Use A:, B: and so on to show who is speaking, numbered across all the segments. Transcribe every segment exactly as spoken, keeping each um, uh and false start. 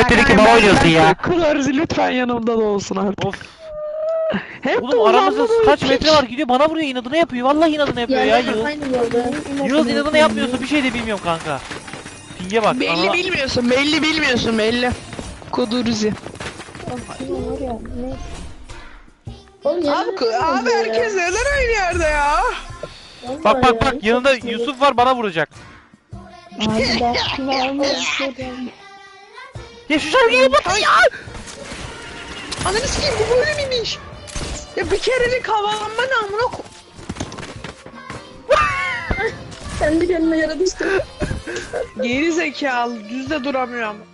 A: Ahmet dedi ki bana oynuyorsun ya.
B: Kulorzi lütfen yanımda da olsun artık.
A: Of.
B: Hep de
A: Oğlum aramızda
B: uzanma
A: kaç
B: böyle
A: metre var, gidiyor bana vuruyor, inadına yapıyor. Vallahi inadına yapıyor ya
C: Yerler
A: Yağız.
C: aynı bu arada.
A: Yağız inadına yapmıyorsa bir şey de bilmiyorum kanka. Pinge bak.
B: Belli
A: Ana...
B: bilmiyorsun, belli bilmiyorsun, belli. Kudurzi.
C: Aslında var ya ne? Oğlum
B: Abi,
C: yerler
B: ku-
C: aynı
B: abi
C: ya.
B: herkes neden aynı yerde ya?
C: Vallahi
A: Bak
C: ya,
A: bak bak
C: hiç
A: yanında
C: yakışmadı.
A: Yusuf var, bana vuracak.
C: Abi ben şunu almak istiyorum.
A: Ya şu şarkıyı kapat ya.
B: Ananı sikeyim, bu böyle miymiş? Ya bir kerelik havalanma namına ko...
C: Kendi kendine yere düştüm.
B: Geri zekalı, düzde duramıyor ama.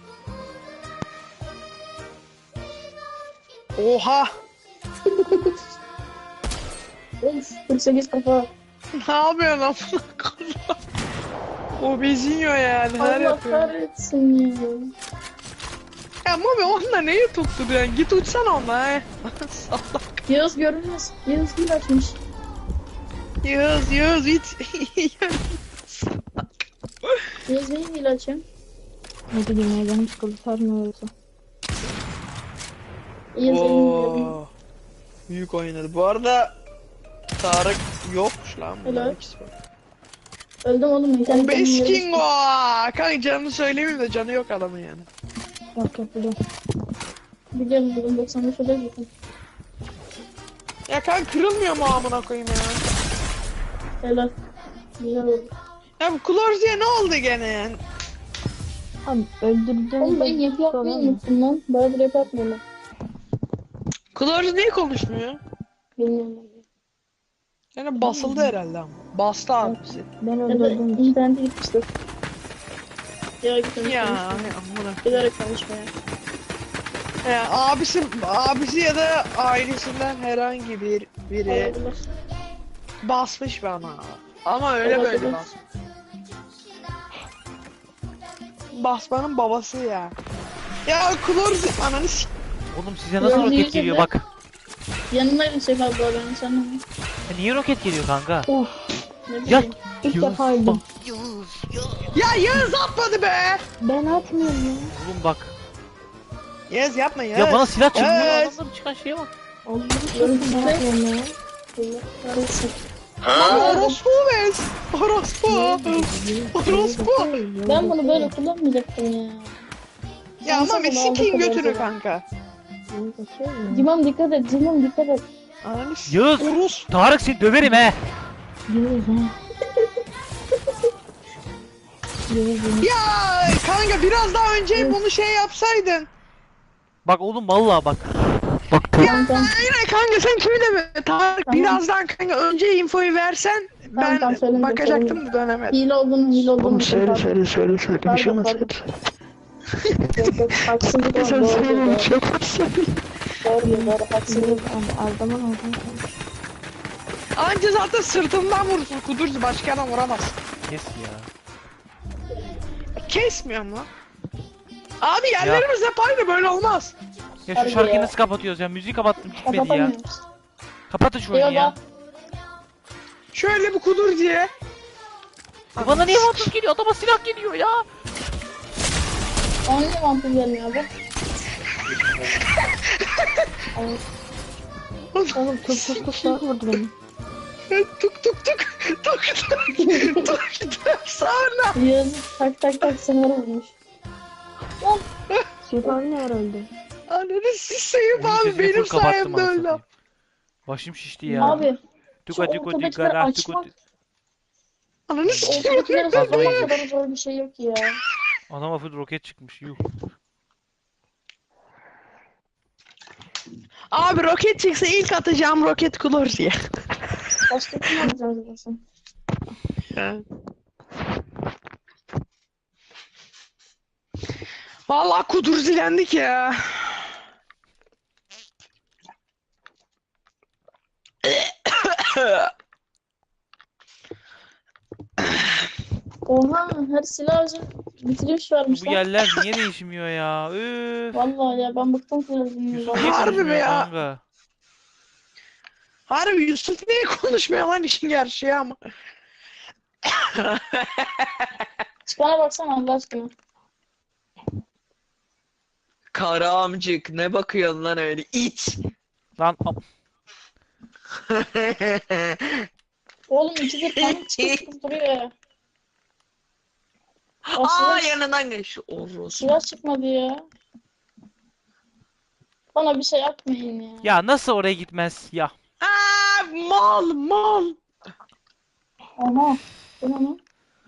B: Oha!
C: Of kırk sekiz kafa.
B: Ne yapıyorsun amına koyayım? O bezinyo yani, her
C: Allah
B: yapıyor.
C: kahretsin ya.
B: Ya Mami onunla neyi tutturuyorsun? Git uçsana onunla he. Salak.
C: Yağız görünmez. Yağız bir açmış.
B: Yağız, Yağız it.
C: Yağız neyi hile açayım? Ne bileyim ya canım sıkıldı sarmıyor yoksa. Yağız elim
B: Oo. Büyük oynadı. Bu arada Tarık yokmuş lan. bunların
C: Helal.
B: ikisi var.
C: öldüm oğlum ben kendi
B: O
C: kendime yere
B: Beskingo. Kanka canını söyleyeyim de canı yok adamın yani.
C: düştüm. Yok yok biliyorum. Biliyorum buldum doksan beş öyle zaten.
B: Ya kanka kırılmıyor mu amına koyayım ya?
C: Helal. Güzel oldu.
B: Ya bu Klorzi'ye ne oldu gene yani?
D: Abi öldürdüm.
C: Oğlum ben yapı yapmayı unuttum lan. Bayağıdır yapı yapmıyorum.
B: Klorzi niye konuşmuyor?
C: Bilmiyorum.
B: Yani basıldı herhalde ama. Bastı abisi.
D: Ben
C: Ya da
D: öldürdüm.
C: internete gitmiştir. Ya gitmemiş.
B: Ya
C: Ya.
B: amına.
C: Bilerek konuşmaya.
B: Ya abisi, abisi ya da ailesinden herhangi bir biri
C: Olabilir.
B: basmış bana. Ama öyle
C: Olabilir.
B: böyle bas. Basmanın babası ya. Ya Klorzi ananı s***.
A: Oğlum size nasıl
C: Ya
A: roket
C: niye
A: geliyor
C: sen de-
A: bak.
C: Yanındaydı Şef abla ben sen mi?
A: Ya niye roket geliyor kanka?
D: Of
C: Ne
A: Ya
C: bileyim.
D: ilk
A: Yağız,
D: defa öldüm.
A: bak.
B: Ya Yağız atmadı be.
D: Ben atmıyorum ya.
A: Oğlum bak.
B: Yağız yapma Yağız.
A: Ya bana silah çıkmıyor,
B: Yağız.
A: adamların çıkan şeye bak.
D: Allah'ım
C: Yorum
D: çok ben
C: size.
D: atmıyorum ya.
C: Allah kahretsin.
B: Lan orospu bez. Orospu. Orospu.
C: Ben bunu böyle kullanmayacaktım ya.
B: Ya
C: Şansa
B: Mami
C: bunu aldık
B: sikeyim
C: o
B: götünü
C: zaman.
B: kanka.
C: Cimam dikkat et, Cimam dikkat et.
B: Ananı s***.
A: Yağız.
B: Orospu.
A: Tarık seni döverim he.
D: Yürüyoruz ha. Yürüyoruz.
B: Ya kanka biraz daha önce bunu şey yapsaydın.
A: Bak oğlum vallahi bak. Bak
C: Tamam tamam.
B: Aynen kanka sen şöyle mi? Tarık
C: Tamam.
B: birazdan kanka önce infoyu versen
C: Tamam,
B: ben
C: tamam, söylemeyeceğim,
B: bakacaktım
C: söylemeyeceğim.
B: da dönemedim.
C: Hile olduğunu, hile olduğunu.
B: Oğlum söyle
C: Pardon,
B: söyle söyle söyle bir şey
C: Pardon,
B: olmaz.
C: pardon. Yok yok haksızlık var.
B: Sen
C: Doğru
B: söyle
C: doğru.
B: bir şey olmaz.
C: Doğru doğru haksızlık.
D: Abi aldaman aldım.
B: Anca zaten sırtından vursun kudursun başka adam vuramaz.
A: Kes ya.
B: Kesmiyorum lan. Abi yerlerimiz hep aynı böyle olmaz.
A: Ya
C: Harbi
A: şu şarkıyı
C: ya.
A: nasıl kapatıyoruz ya? Müziği kapattım gitmedi ya.
C: Kapatamıyoruz.
A: Kapatın şu oyunu ya.
C: Eyvallah.
B: Şöyle bir kudur diye.
A: Ya bana niye vampir geliyor? Adama silah geliyor ya.
C: Ona niye vampir gelmiyor abi?
D: Oğlum tuk tuk tuk tuk vurdu beni.
B: Tuk tuk tuk tuk tuk tuk tuk sonra.
C: Yağız tak tak tak sınırı vurmuş.
D: Şef abi ne var öldü?
B: Ananı siseyim
A: Oyun
B: abi
A: sesini
B: benim
A: full kapattım
B: sayemde
A: anasını
B: öyle.
A: satayım. Başım şişti ya.
C: Abi şu
A: Tuka tuka
C: ortadakileri
A: digara tuka
C: açmak,
B: Ananı sikeyim.
C: ortadakileri
A: Fazla
C: saklamak
A: iyi.
C: kadar zor bir şey yok ya.
A: Anama full roket çıkmış yuh.
B: Abi roket çıksa ilk atacağım roket Klorzi'ye.
C: Başka kim alacağız acaba?
B: Vallahi kudur zilendik ya.
C: Oha her silah özü bitiriş
A: Bu
C: vermişler.
A: yerler niye değişmiyor ya? Üf.
C: Vallahi ya ben bıktım silahından.
A: Yusuf niye
B: Harbi mi
A: konuşmuyor
B: ya?
A: kanka?
B: Harbi Yusuf niye konuşmuyor lan işin gerçeği ama.
C: Çıkana baksana Allah aşkına.
B: Kara amcık ne bakıyorsun lan öyle it.
A: Lan am-
C: Oğlum ikidir panik çıkıp duruyor ya.
B: Aa
C: Aslında
B: yanından geç. Orospu.
C: silah çıkmadı ya. Bana bir şey yapmayın ya.
A: ya nasıl oraya gitmez ya.
B: Aa mal mal.
C: Aha. Bu ne lan?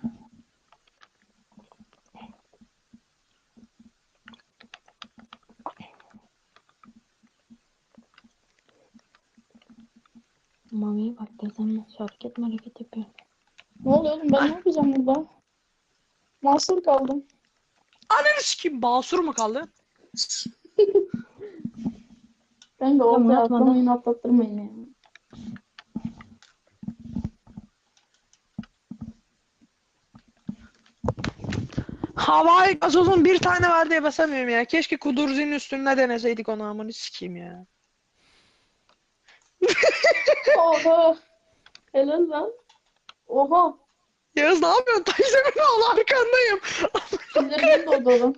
D: Mami'ye bak desem nasıl hareket mi hareket yapıyor.
C: Ne oluyor oğlum, ben ne yapacağım burada? Mahsur kaldım.
B: Ananı sikeyim basur mu kaldı?
C: Ben de
D: Tamam,
C: ortaya
D: atmadan-
C: atlamayın, atlattırmayın ya.
B: Havai gazozun bir tane var diye basamıyorum ya. Keşke kuduruzun üstünde deneseydik onu amını sikeyim ya.
C: Oha. Helal lan. Oha.
B: Yağız ne yapıyorsun? Teyzemin oğlu arkandayım.
C: Sinirden doğdu oğlum.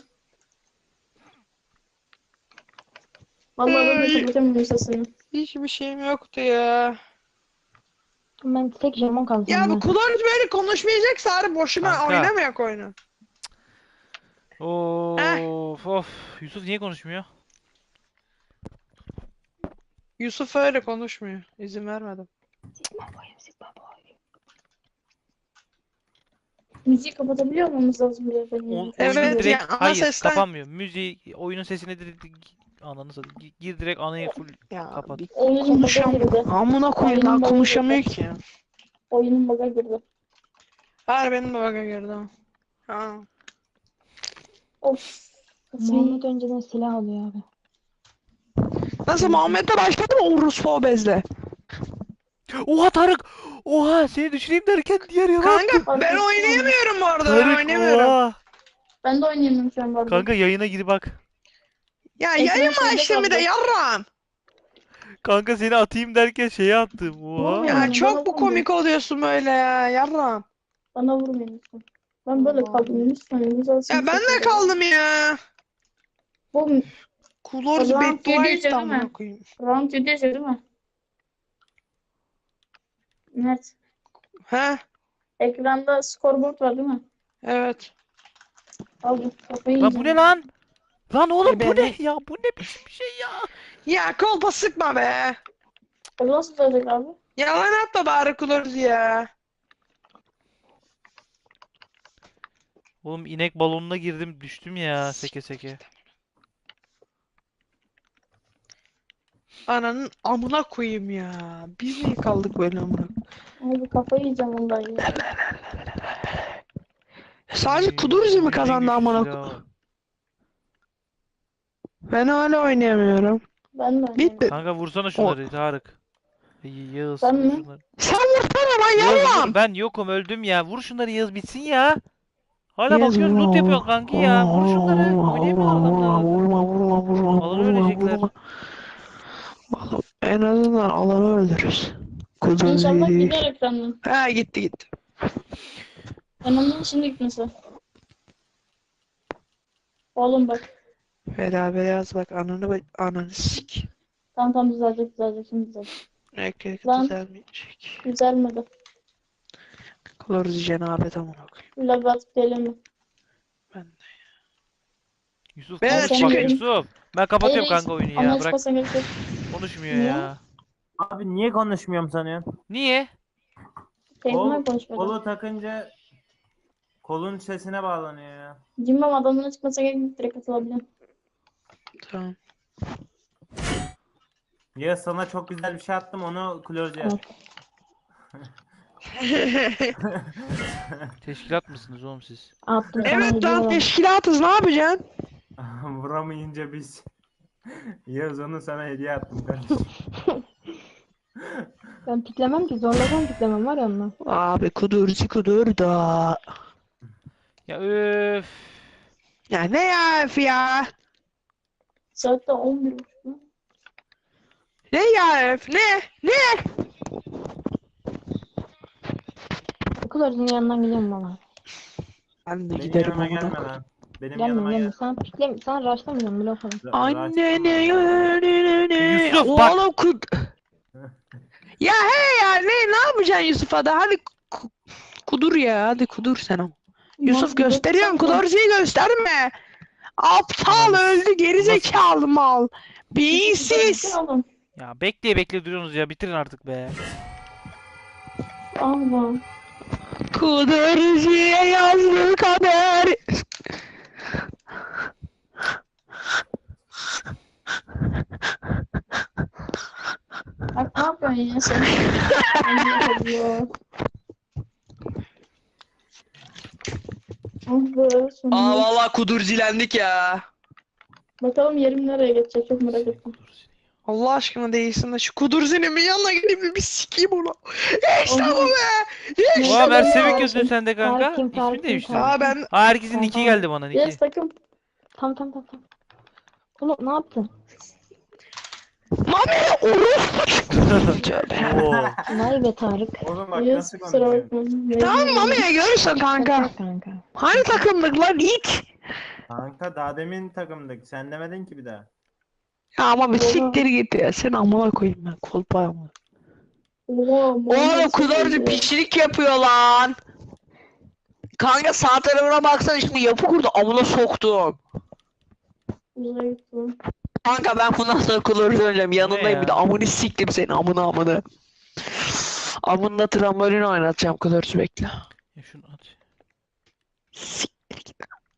C: Vallahi ben de
B: Ay.
C: kapatamıyorum sesini.
B: Hiçbir şeyim yoktu ya.
D: Ben tek jamon kaldım.
B: Ya bu
D: ben.
B: kuduruz böyle konuşmayacaksa harbi boşuna
A: Kanka.
B: oynamayak oyunu.
A: Of of. Yusuf niye konuşmuyor?
B: Yusuf öyle konuşmuyor. İzin vermedim.
C: Müziği kapatabiliyor olmamız lazım bir yerden.
A: O, oyunun
B: Evet,
A: direkt
B: ya ana
A: hayır
B: sesten-
A: kapanmıyor. Müziği oyunun sesini direkt ananı satayım. Gi- Gir direkt anayı full
B: Ya
A: kapat.
B: bir
C: Oyunun baga
B: konuşam.
C: girdi.
B: Amına koyayım daha
C: Oyunun baga
B: konuşamıyor
C: girdi.
B: ki.
C: Oyunun baga girdi.
B: Her benim de baga girdi. Ha.
C: Of.
D: Muhammed önceden silah alıyor abi.
B: Nasıl Muhammed'le başladı mı Urus bezle?
A: Oha Tarık! Oha seni düşüreyim derken diğer yana attım.
B: Kanka ben
C: Arkadaşlar.
B: oynayamıyorum bu arada. Ben
A: Tarık
B: oynayamıyorum.
A: oha!
C: Ben de oynayamıyorum şu an bu arada.
A: Kanka yayına gir bak.
B: Ya
C: Ekran
B: yayın mı
C: şeyde
B: açtın bir de
C: kaldı.
B: yarram?
A: Kanka seni atayım derken şeye attım. Oha.
C: Oğlum
B: Ya
C: Bana
B: çok bu
C: vurmayın.
B: komik oluyorsun böyle ya yarram.
C: Bana vurmayın lütfen. Ben böyle kaldım. Lütfen güzelsin.
B: Ya ben de kaldım ya.
C: Bu
B: Kuloruz
C: O zaman
B: beddua
C: geliyor
B: etti
C: değil
B: amına
C: mi?
B: koyayım.
C: round yedi yazıyor değil mi? Mert.
B: He
C: Ekranda scoreboard var değil mi?
B: evet.
C: Aldım. Kafayı
A: Lan bu
C: yiyeceğim.
A: ne lan? Lan oğlum bu
B: E,
A: ne
B: beni-
A: ya? Bu ne biçim bir şey ya?
B: Ya kolpa sıkma be.
C: O nasıl olacak abi?
B: Yalan atma bari Kuloruz ya.
A: Oğlum inek balonuna girdim düştüm ya seke seke.
B: Ananın amına koyayım ya. Biz niye kaldık böyle amına?
C: Abi kafayı yiyeceğim ondan ya.
B: Sadece Kudurzi mi kazandı amına koyayım? Ben hala oynayamıyorum.
C: Ben de
B: Bitti.
C: oynayamam.
A: Kanka vursana şunları Tarık. Y- Yağız
C: Ben
A: vur
C: mi?
A: şunları.
B: Sen vursana lan
A: Yağız
B: yarram.
A: vur, ben yokum öldüm ya. Vur şunları Yağız bitsin ya. Hala
B: Yağız,
A: bakıyorsun loot
B: vurma,
A: yapıyorsun kanki ya. Vur şunları. Oynayamıyor adamlar.
B: Vurma vurma vurma.
A: Alanı
B: vurma,
A: ölecekler.
B: vurma. Oğlum, en azından alanı öldürürüz.
C: İnşallah
B: Kudurzi.
C: gider ekrandan.
B: Ha gitti gitti.
C: Ben onun şimdi gitmesi. Oğlum bak.
B: Beraber yaz bak ananı bak ananı sik.
C: Tamam tamam düzelecek düzelecek şimdi düzelecek.
B: Erkek
C: Lan.
B: düzelmeyecek.
C: Düzelmedi.
B: Kudurzi cenabet amına koyayım.
C: Lab atıp geliyorum.
B: Ben de.
A: Yusuf
B: Ben
A: konuş bak
C: çıkayım.
A: Yusuf. Ben kapatıyorum
C: Hayır,
A: kanka oyunu ya.
C: Ama
A: Bırak
C: çıkmasına gerek yok.
A: konuşmuyor
C: Niye?
A: ya.
E: Abi niye konuşmuyorum sanıyorsun?
A: Niye?
C: Kendime
E: Kol,
C: konuşmadım.
E: kolu takınca kolun sesine bağlanıyor ya.
C: Cimbom adamına çıkmasına gerek yok. Direkt atılabilirim.
B: Tamam.
E: Ya sana çok güzel bir şey attım onu close yap.
A: Teşkilat mısınız oğlum siz?
D: Attım sana
B: Evet
D: hediye
B: lan
D: olan.
B: teşkilatız ne yapacaksın?
E: Vuramayınca biz. Yaz onu sana hediye attım kardeşim.
D: Ben piklemem ki zorlasam piklemem var ya onunla.
B: Abi kudurzi kudur da.
A: Ya öf.
B: Ya ne ya öf ya?
C: Saat de on bir buçuk mu?
B: Ne ya öf ne? Ne?
D: Kılarızın yanından gidiyorum valla.
B: Ben de
E: Benim
B: giderim
E: yanıma
B: amına
E: gelme
B: koyayım.
E: lan. Benim
D: Gelme
E: yanıma
D: gelme.
E: gel.
D: Sen pikle, sen rushlamayacaksın bile o kadar.
E: Ra-
B: Annene
E: Raşit-
A: Yusuf, bak.
B: Oğlum kud... Ya he ya ne ne yapacaksın Yusuf'a da hadi ku- kudur ya hadi kudur sen ama. Yusuf
C: Lan,
B: gösteriyorsun
C: baksana.
B: kudurcuyu gösterme. Aptal
A: Ananı s-
B: öldü gerizekalı mal. Beyinsiz.
C: Alın.
A: Ya bekleye bekle duruyorsunuz ya. Bitirin artık be.
C: Allah.
B: Kudurcuya yazdı kader.
C: Bak ne yapıyorsun ya sen? Allah Allah. Ah be, sonunda.
B: Aa vallahi kudurcilendik ya.
C: Bakalım yerim nereye geçecek, çok merak ettim.
B: Allah aşkına değilsin de şu kudurzinemin yanına gidip bir, bir sikeyim onu. İşte bu
C: Oğlum.
B: be.
A: Oha
B: İşte bu
A: Mersem'in
B: be.
A: gözün sende kanka.
D: Tarık kim,
A: İsmi
D: Tarık kim,
A: değişti.
D: Tarık
B: Aa ben
A: Aa herkesin
D: Tamam,
A: nicki
D: tamam.
A: geldi bana
C: Yes
A: nicki.
C: takım.
D: Tamam tamam tamam. tamam. Oğlum ne yaptın?
B: Mami orospu. Tövbe.
A: Oo.
D: Vay be Tarık.
E: Oğlum bak
C: Yes
E: nasıl
C: kusura
E: konuşuyorsun.
C: bakma.
B: Tamam Mami'ye görürsün kanka.
D: Şaka kanka.
B: Hangi takımdık lan it?
E: Kanka daha demin takımdık. Sen demedin ki bir daha.
B: Ya ama bir
C: Oha.
B: siktir git ya. Sen amına koyayım ben kolpaya mı?
C: Oha,
B: Oğlum
C: Muhammed
B: kudurcu
C: Sesi.
B: piçlik yapıyor lan. Kanka sağ tarafına baksana şimdi yapı kurdu amına soktum.
C: Güzel gitti.
B: Kanka ben bundan sonra kudurcu oynayacağım. Yanındayım bir de
A: ya?
B: amını siktim seni amına amına. Amında trambolin oynatacağım kudurcu bekle.
A: Ya şunu at.
B: Siktir git.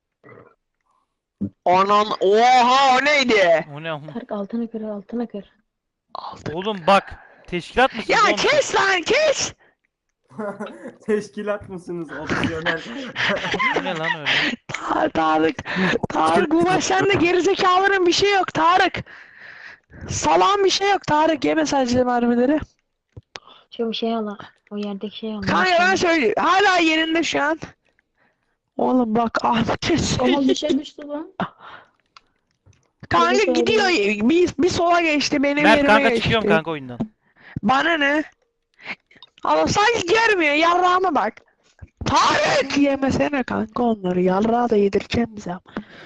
B: Anan oha o neydi?
A: O ne ama?
D: Tarık altına kır altına kır.
A: Oğlum bak. Teşkilat mısın
B: Ya
A: oğlum?
B: kes lan kes.
E: Teşkilat mısınız opsiyonel?
A: O ne lan öyle?
B: Ta- Tarık. Tarık bu maç sende gerizekalıların bir şey yok Tarık. Salan bir şey yok Tarık yeme sadece mermileri.
D: Şu bir şey al. O yerdeki şey al.
B: Kanka ben söyleyeyim. Hala yerinde şu an. Oğlum bak Ahmet'e
C: Ama
B: söyleyeyim.
C: bir şey düştü lan.
B: Kanka
C: Evet,
B: gidiyor. Bir, bir sola geçti benim
A: Mert
B: yerime
A: kanka
B: geçti.
A: çıkıyorum kanka oyundan.
B: Bana ne? Ama sanki görmüyor. Yarrağıma bak. Tarık yemesene kanka onları. Yarrağı da yedireceğim bize.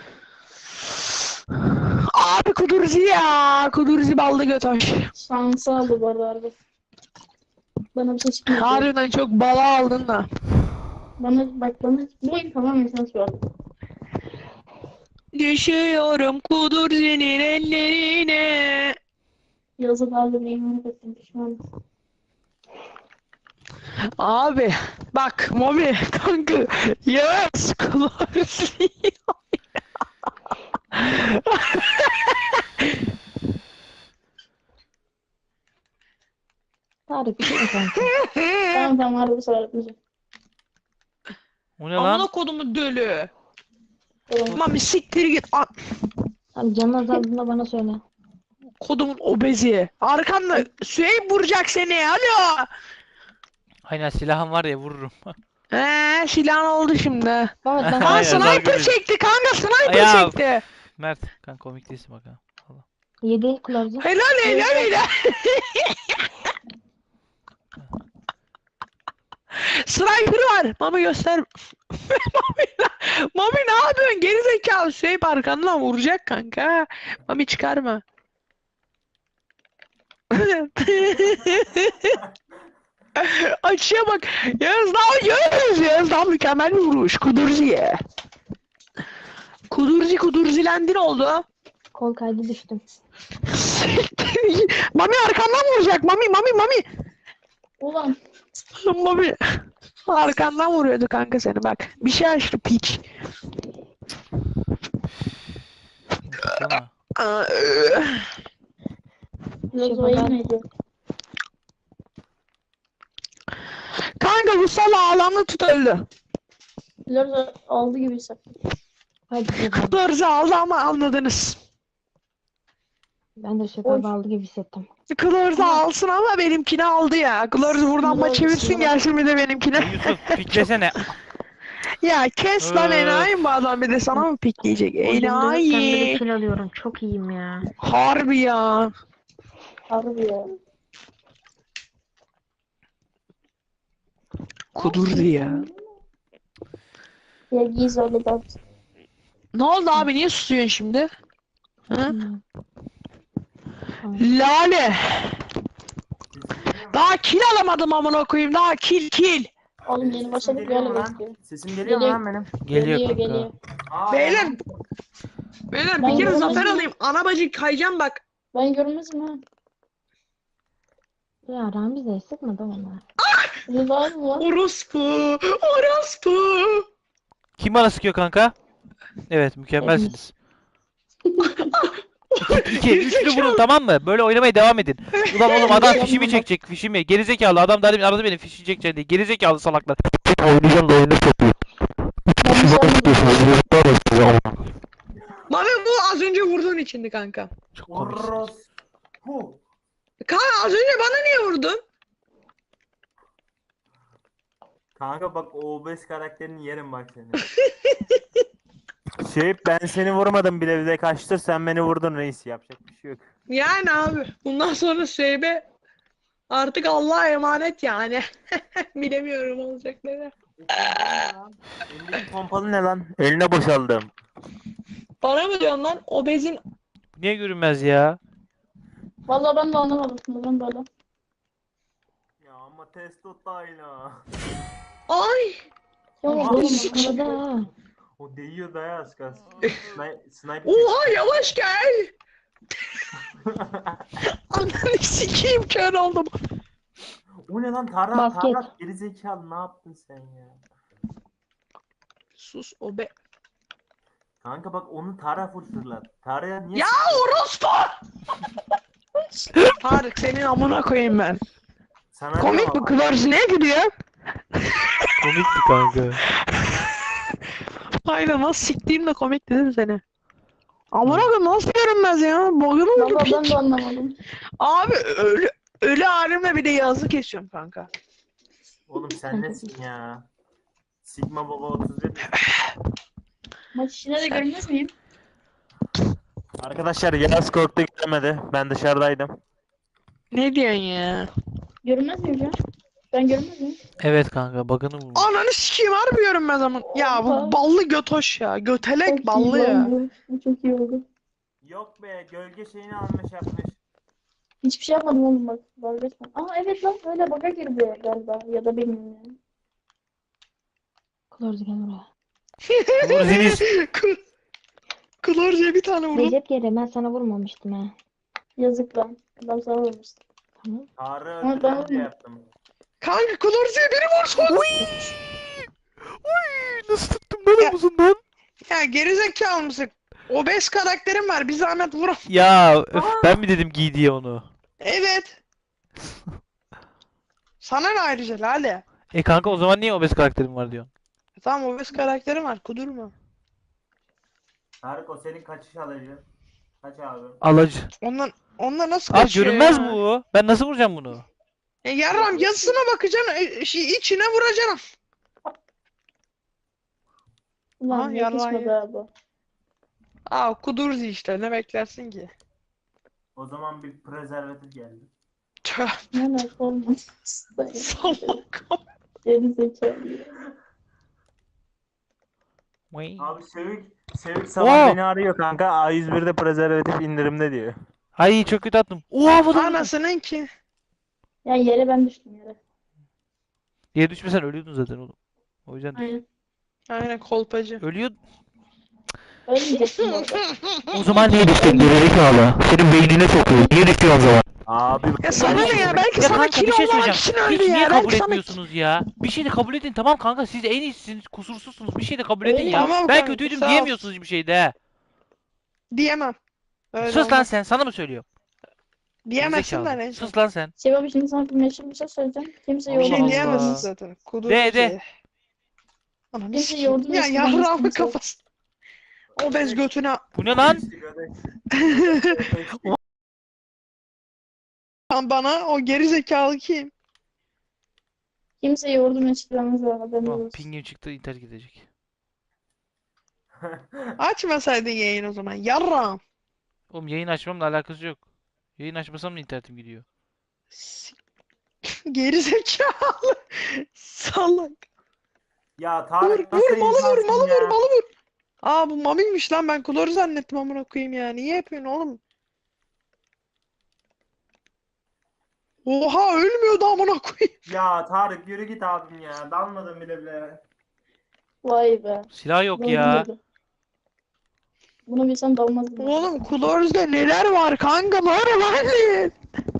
B: Abi kudurzi ya. Kudurzi ballı götoş.
C: Şansı aldı bu arada harbi. Bana bir şey çıkmadı.
B: Harbiden çok bala aldın da.
C: Bana bak bana bu oyun tamamen şans verdi.
B: Düşüyorum kudurcinin ellerine.
C: Yazı dalga bir iman ettim pişman.
B: Abi bak Mobi kanka yes kudurzi.
D: Tarık bir şey mi kanka?
C: Tamam tamam harbi sefer etmeyeceğim.
A: O ne
B: Amına
A: lan?
B: kodumu dölü.
C: Tamam.
B: Mami siktir git. A-
D: Abi canın azaldığında bana söyle.
B: kodumun obezi. Arkanda Süheyb vuracak seni. Alo.
A: Aynen silahım var ya vururum.
B: Eee silahın oldu şimdi.
D: Mehmet ben
B: Kanka
A: Aynen,
B: sniper
A: zargı
B: çekti kanka sniper
A: Ya.
B: çekti.
A: Mert kanka komik değilsin bak ha.
D: yedi kılavuzcu.
B: Helal helal helal. Sniper var. Mami göster. Mami, Mami ne yapıyorsun? Gerizekalı Süheyb arkandan vuracak kanka. Mami çıkarma. Açıya bak. Yağız daha Yağız. Yağız daha mükemmel bir vuruş. Kudurzi'ye. Kudurzi kudurzilendi ne oldu?
D: Kol kaydı düştüm.
B: Mami arkandan vuracak. Mami Mami Mami.
C: Ulan
B: Mami. Arkandan vuruyordu kanka seni bak. Bir şey açtı piç.
A: Tamam.
B: Aa,
C: biraz
D: Şey,
C: oyun
D: ben-
C: neydi?
B: Kanka bu sala alanı tut öldü.
C: Biraz aldı gibi hissettim.
D: Hadi bakalım.
B: Kudurzi aldı ama anladınız.
D: Ben de
C: Oy.
D: şoför aldı gibi hissettim.
B: Kudurzi alsın ama benimkini aldı ya. Kudurzi buradan
C: Kudurzi
B: maç çevirsin
C: alsın.
B: gelsin bir de benimkine.
A: Yusuf piklesene.
B: Ya kes lan
A: Öf.
B: enayi mi bu adam bir de sana mı pikleyecek?
D: Oyunda sen bir
B: Enayi.
D: kill alıyorum. Çok iyiyim ya.
B: Harbi ya.
C: Harbi ya.
B: Kudurzi ya.
C: Ya giz öyle de.
B: Ne oldu abi? Niye susuyorsun şimdi? Hı?
D: Hmm. Tamam.
B: Lale.
E: Sesim geliyor mu?
B: Daha kill alamadım amına koyayım. Daha kill kill.
C: Oğlum
E: Benim
C: yeni
E: sesim
C: başladık
E: geliyor
C: böyle
E: mu lan?
C: bekliyor.
E: Sesim geliyor mu
C: Geliyor.
E: lan benim?
A: Geliyor
C: Geliyor
A: kanka.
C: geliyor.
E: Aa,
B: Beyler.
E: yalan.
B: Beyler
C: Ben
B: bir kere
C: görmedim
B: zafer
C: ya.
B: alayım. Ana bacı kayacağım bak.
C: Ben görmezim ha.
D: Ya Ramize sıkma da onlar.
C: Rıza mı lan?
B: Orospu. Orospu.
A: Kim bana sıkıyor kanka? Evet, mükemmelsiniz. İki, iki, üçlü vurun, tamam mı? Böyle oynamaya devam edin. Ulan oğlum adam
C: Yapma
A: fişimi
C: bak.
A: çekecek, fişimi. Gerizekalı adam da demin aradı beni fişi çekeceğim diye. Gerizekalı salaklar. Oynayacağım da oyunu satıyor.
C: Ben bir şey yapmadım.
B: Mami bu az önce vurduğun içindi kanka.
A: Çok komiksiniz.
E: Orospu.
B: Kanka az önce bana niye vurdun?
E: Kanka bak o obez karakterini yerim bak seni. Şey ben seni vurmadım bile bile kaçtır sen beni vurdun reis yapacak bir şey yok.
B: Yani abi bundan sonra Seybe artık Allah'a emanet yani. Bilemiyorum olacakları.
E: Elindeki pompalı ne lan? Eline boşaldım.
B: Bana mı diyorsun lan? Obezin.
A: Niye görünmez ya?
C: Vallahi ben de anlamadım. Neden böyle?
E: Ya ama testo tayla.
B: Ay.
C: Ya
B: Oha,
C: oğlum
B: sikeyim.
C: arada ha.
E: O değiyor daya az kalsın. Sni- Sniper.
B: Oha yavaş gel. Ananı sikeyim kör oldum.
E: O ne lan Tarhan
C: Basket.
E: Tarhan gerizekalı ne yaptın sen ya?
B: Sus obe.
E: Kanka bak onu Tara full fırlat. Tara'ya niye
B: Ya orospu. Tarık senin amına koyayım ben.
E: sana
B: Komik
E: diyorum
B: mi?
E: ama.
B: Kıvırcı ne gülüyor?
A: Komikti kanka.
B: Aynen nasıl siktiğim de komik dedim seni. Amına koyayım nasıl görünmez ya? Boyunu vurdu
C: Vallahi ben
B: piç.
C: de anlamadım.
B: Abi ölü ölü halimle bir de yazı kesiyorum kanka.
E: Oğlum sen nesin ya? Sigma Baba otuz bir.
C: Maç içine de görünmez miyim?
E: Arkadaşlar Yağız korktu gidemedi. Ben dışarıdaydım.
B: Ne diyorsun ya?
C: Görünmez miyim ya? Ben görünmez miyim?
A: Evet kanka, bug'ını vurmuş.
B: Ananı sikeyim harbi görünmez ama. Ya bu
C: Oha.
B: ballı götoş ya. Götelek
C: Çok
B: ballı
C: iyi
B: ya.
C: oldu. Bu çok iyi oldu.
E: Yok be gölge şeyini almış yapmış.
C: Hiçbir şey yapmadım oğlum bak. Dalga geçme. Aa evet lan öyle baka girdi galiba. Ya da bilmiyorum yani.
D: Klorzu gel buraya.
A: Vurursunuz.
B: Klorcuya bir tane vurdum.
D: Recep geri ben sana vurmamıştım ha.
C: Yazık lan. Adam sana vurmuştu.
D: Tamam.
E: Tarık
C: Ama ben
E: öldüreceğim diye
C: vurmadım.
E: yaptım.
B: Kanka Klorcuya biri vursun.
A: Nasıl tuttum ben
B: Ya.
A: omuzundan?
B: Ya gerizekalı mısın? Obez karakterim var. Bir zahmet vur.
A: Ya öf, ben mi dedim giy diye onu?
B: Evet. Sana ne ayrıca Lale?
A: E kanka o zaman niye obez karakterim var diyorsun?
B: Tamam obez karakterim var. Kudurma.
E: Tarık o senin kaçış alıcı. Kaç abi?
A: Alacı.
B: Ondan ondan nasıl
A: Abi
B: kaçıyor
A: görünmez
B: ya?
A: bu. Ben nasıl vuracağım bunu?
B: E yarram yazısına bakacaksın. E, şey, içine vuracaksın.
C: Ulan
B: Aha,
C: ne
B: yalan
C: yakışmadı
B: ya.
C: abi.
B: Aa kudurdu işte. Ne beklersin ki?
E: O zaman bir prezervatif geldi.
B: Tüh.
C: Ne ne olmaz.
B: Salak.
C: Geri zekalı.
A: Vay.
E: Abi Sevik, Sevik sabah
A: Oo.
E: beni arıyor kanka. A yüz birde prezervatif indirimde diyor.
A: Ay çok kötü attım. Oha havada vurdum.
B: Anasının ki.
C: Ya yere ben düştüm yere.
A: Yere düşmesen ölüyordun zaten oğlum. O yüzden düş-
C: Aynen.
B: Aynen kolpacı.
A: ölüyordun.
C: Ölmeyeceksin orada.
A: O zaman niye düştün gerizekalı? Senin beynine sokuyor. Niye düşüyorsun o zaman?
E: Abi
B: Ya sana ne ya? Belki
A: Ya
B: sana
A: kanka
B: kill
A: bir şey
B: olmamak
A: söyleyeceğim.
B: için öldü
A: Hiç
B: ya.
A: niye
B: Belki
A: kabul
B: sana...
A: etmiyorsunuz ya? Bir şey de kabul edin, tamam kanka, siz en iyisiniz, kusursuzsunuz. Bir şey de kabul edin
C: Öyle
A: ya.
B: Tamam
A: Ben
B: kanka,
A: kötüydüm
B: sağ ol.
A: diyemiyorsunuz hiçbir şeyde he.
B: Diyemem. Öyle
A: Sus lan
B: olmaz.
A: sen, sana mı söylüyorum?
B: Diyemezsin
A: Gerizekalı.
B: lan neyse.
A: Sus lan sen.
C: Şey abi şimdi sana bir meşhur bir şey söyleyeceğim. Kimse
A: Allah
B: Bir şey
C: yorulmasın.
B: diyemezsin
A: Allah.
B: zaten. Kudur
A: De,
B: bir
A: de.
B: şey. Ananı
C: Kimse
B: sikeyim.
C: yordu
B: Ya
C: ve
B: yarrağımın
C: sıkılmasın.
B: kafası. O bez götüne.
A: Bu ne lan?
B: Lan bana o geri zekalı kim?
C: Kimse yordu meşhurlarınız var. Haberin
A: Oh,
C: olsun.
A: pingim çıktı, internet gidecek.
B: Açmasaydın yayın o zaman. Yarrağım.
A: Oğlum yayın açmamla alakası yok. Yayın açmasam da internetim gidiyor.
B: Geri zekalı. Salak.
E: Ya
B: Vur
E: Tarık
B: vur
E: nasıl
B: malı vur
E: insansın
B: malı
E: ya?
B: vur malı vur. Aa bu Mami'ymiş lan, ben Klor'u zannettim amına koyayım ya. Niye yapıyorsun oğlum? Oha ölmüyordu amına koyayım.
E: Ya Tarık yürü git abim ya. Dalmadım bile bile.
C: Vay be.
A: Silah yok
C: Doğru
A: ya.
C: dedi. Bunu bilsem dalmazdım.
B: Oğlum Klor'da neler var kanka, var lan.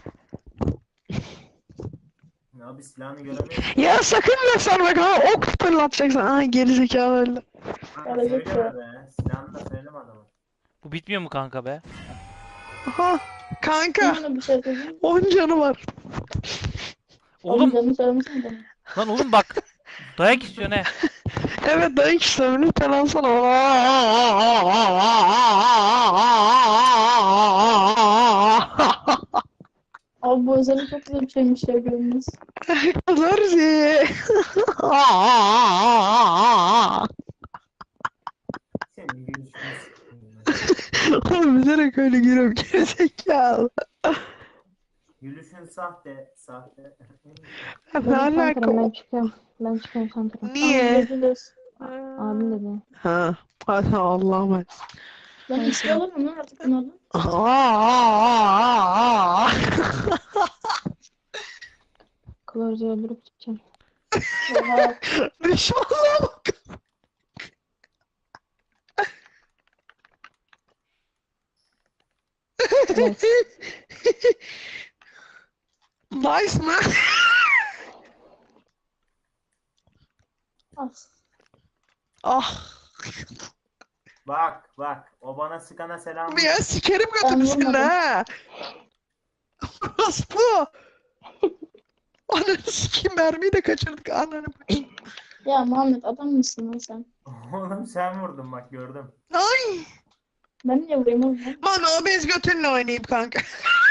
E: Abi silahını göremiyorum.
B: Ya sakın da sarma kanka, ok fırlatacaksın. Aa gerizekalı öldü.
E: Kanka
C: Gelecek
E: söyleme
C: ya.
E: be. Silahını da söyleme adama.
A: Bu bitmiyor mu kanka be?
B: Aha kanka
C: Sana bir şey söyleyeyim.
B: on canı var.
A: Oğlum
C: Oğlum canını söylemesin de.
A: lan oğlum bak. Dayak istiyorsun he.
B: Evet dayak işlemi lütfen alsana.
C: Abi bu özellik çok güzel bir şeymiş ya, görünmez.
B: Kızarız.
E: Senin gülüşünü sikeyim ben.
B: Oğlum bilerek öyle gülüyorum gerizekalı.
E: Gülüşün sahte. Sahte.
B: Ne
D: Dedim
B: alaka
D: Santra'm, ben
B: o?
D: çıkıyorum. Ben çıkıyorum Santra'm.
B: Niye?
C: Görüşürüz.
D: Abim dedi.
B: Ha. Hadi Allah'ım.
C: Ben istiyorum ama artık bunlardan.
D: Klor'u öldürüp çıkacağım.
C: Oha.
B: Düşmanlığa bak.
D: Evet.
B: Nice man.
C: As.
B: Ah.
E: Bak bak. O bana sıkana selam.
B: Ya sikerim
C: Ben
B: götünü seni
C: vurmadım.
B: ha. Orası bu. Ananı sikeyim, mermiyi de kaçırdık ananı.
C: Ya Muhammed adam mısın lan sen?
E: Oğlum sen vurdun bak gördüm.
B: Ay.
C: Ben niye vurayım oğlum lan?
B: Lan o bez götünle oynayayım kanka.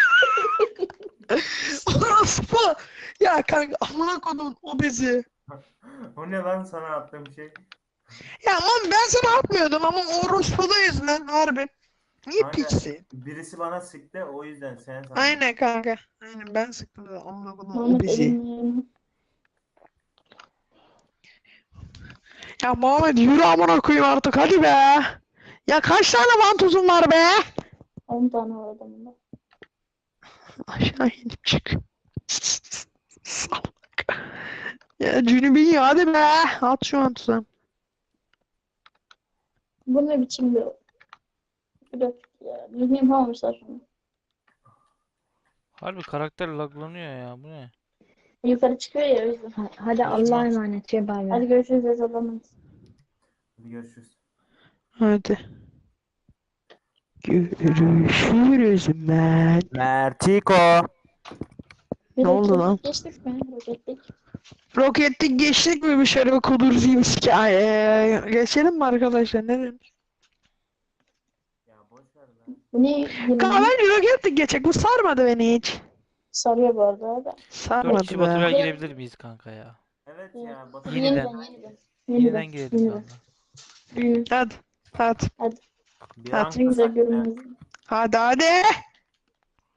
B: Orası bu. Ya kanka amına kodum o bezi.
E: O ne lan sana attığım şey?
B: Ya lan ben sana atmıyordum ama orospudayız lan harbi. Niye
E: Aynen.
B: piçsin?
E: Birisi bana sıktı o yüzden sen sandım.
B: Aynen kanka. Aynen ben sıktım da amına kodum o
C: Muhammed
B: bezi.
C: elini.
B: Ya Muhammed yürü amına koyayım artık hadi be. Ya kaç tane vantuzun var be?
C: on tane var adamında.
B: Aşağı inip çık. Salak. Ya Cünübin ya hadi be. At şu vantuzu.
C: Bu ne biçim bir grafik ya. Düzgün yapamamışlar şunu.
A: Harbi karakter laglanıyor ya. Bu ne?
C: Yukarı çıkıyor ya, o yüzden.
D: Ha- Hadi Allah'a emanet Cem abi.
C: Hadi görüşürüz Ezalamayız.
E: Hadi görüşürüz.
B: Hadi. Görüşürüz ben.
E: Mertiko.
C: Bir
B: Ne oldu
C: dakika,
B: lan?
C: geçtik mi? Roketlik.
B: Roketlik geçtik mi bir şöyle bir kudurayım hikaye. Geçelim mi arkadaşlar ne demiş?
E: Ya boş ver lan.
C: Bu ne? Yirmi-
B: Kanka bence roketlik geçecek. Bu sarmadı beni hiç.
C: Sarıyor bu arada abi.
A: Dört
B: Sarmadı
A: kişi Batural
B: be.
A: girebilir miyiz kanka ya?
E: Evet ya. Batu
A: Yeniden.
C: Yeniden, yeniden.
A: Yeniden girelim
C: yeniden.
A: kanka.
B: Hadi. Hadi.
E: bir
B: Hadi.
E: an
C: Ne güzel
E: kısak ya.
C: görünmez.
B: Hadi hadi.